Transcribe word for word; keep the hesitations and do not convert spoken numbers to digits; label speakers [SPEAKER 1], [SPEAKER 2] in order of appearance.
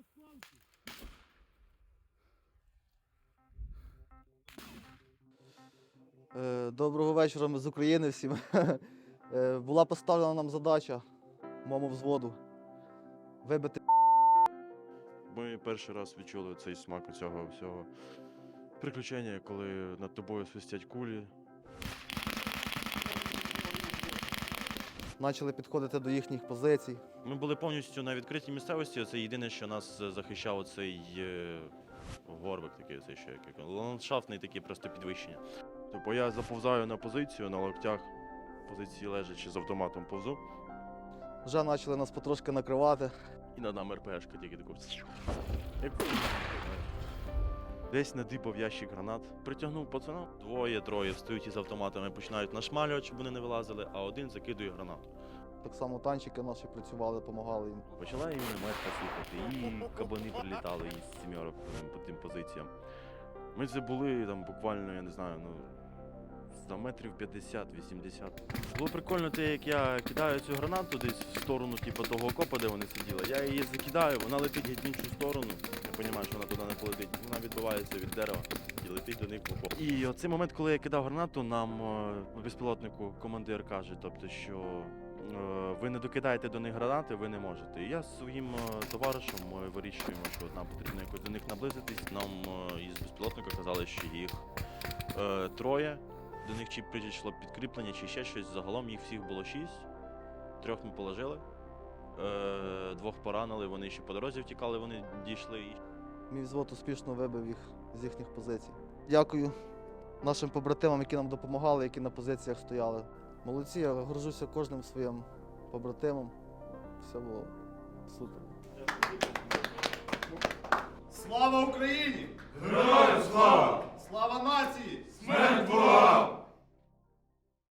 [SPEAKER 1] Доброго вечора, ми з України всім. Була поставлена нам задача моєму взводу вибити.
[SPEAKER 2] Ми перший раз відчули цей смак цього всього приключення, коли над тобою свистять кулі.
[SPEAKER 1] Почали підходити до їхніх позицій.
[SPEAKER 2] Ми були повністю на відкритій місцевості. Це єдине, що нас захищав цей е, горбик, такий цей ще як ландшафтний такий просто підвищення. Тобто я заповзаю на позицію на локтях, позиції лежачи з автоматом повзу.
[SPEAKER 1] Вже почали нас потрошки накривати.
[SPEAKER 2] І над нами РПшка тільки таку. Як... Десь надипав ящик гранат, притягнув пацана. Двоє-троє встають із автоматами, починають нашмалювати, щоб вони не вилазили, а один закидує гранату.
[SPEAKER 1] Так само танчики наші працювали, допомагали їм.
[SPEAKER 2] Почала і мінометка слухати, і кабани прилітали із сімьорок по тим позиціям. Ми це були там буквально, я не знаю, ну, сто метрів п'ятдесят-вісімдесят. Було прикольно те, як я кидаю цю гранату десь в сторону типу, того окопа, де вони сиділи. Я її закидаю, вона летить геть в іншу сторону. Я розумію, що вона туди не полетить. Вона відбивається від дерева і летить до них в окоп. І оцей момент, коли я кидав гранату, нам у безпілотнику командир каже, тобто, що ви не докидаєте до них гранати, ви не можете. І я з своїм товаришем ми вирішуємо, що нам потрібно якось до них наблизитись. Нам із безпілотника казали, що їх е, троє. До них чи прийшло підкріплення, чи ще щось. Загалом їх всіх було шість. Трьох ми положили, е, двох поранили, вони ще по дорозі втікали, вони дійшли.
[SPEAKER 1] Мій взвод успішно вибив їх з їхніх позицій. Дякую нашим побратимам, які нам допомагали, які на позиціях стояли. Молодці, я горжуся кожним своїм побратимом. Все було супер.
[SPEAKER 3] Слава Україні!
[SPEAKER 4] Героям слава!
[SPEAKER 3] Слава нації!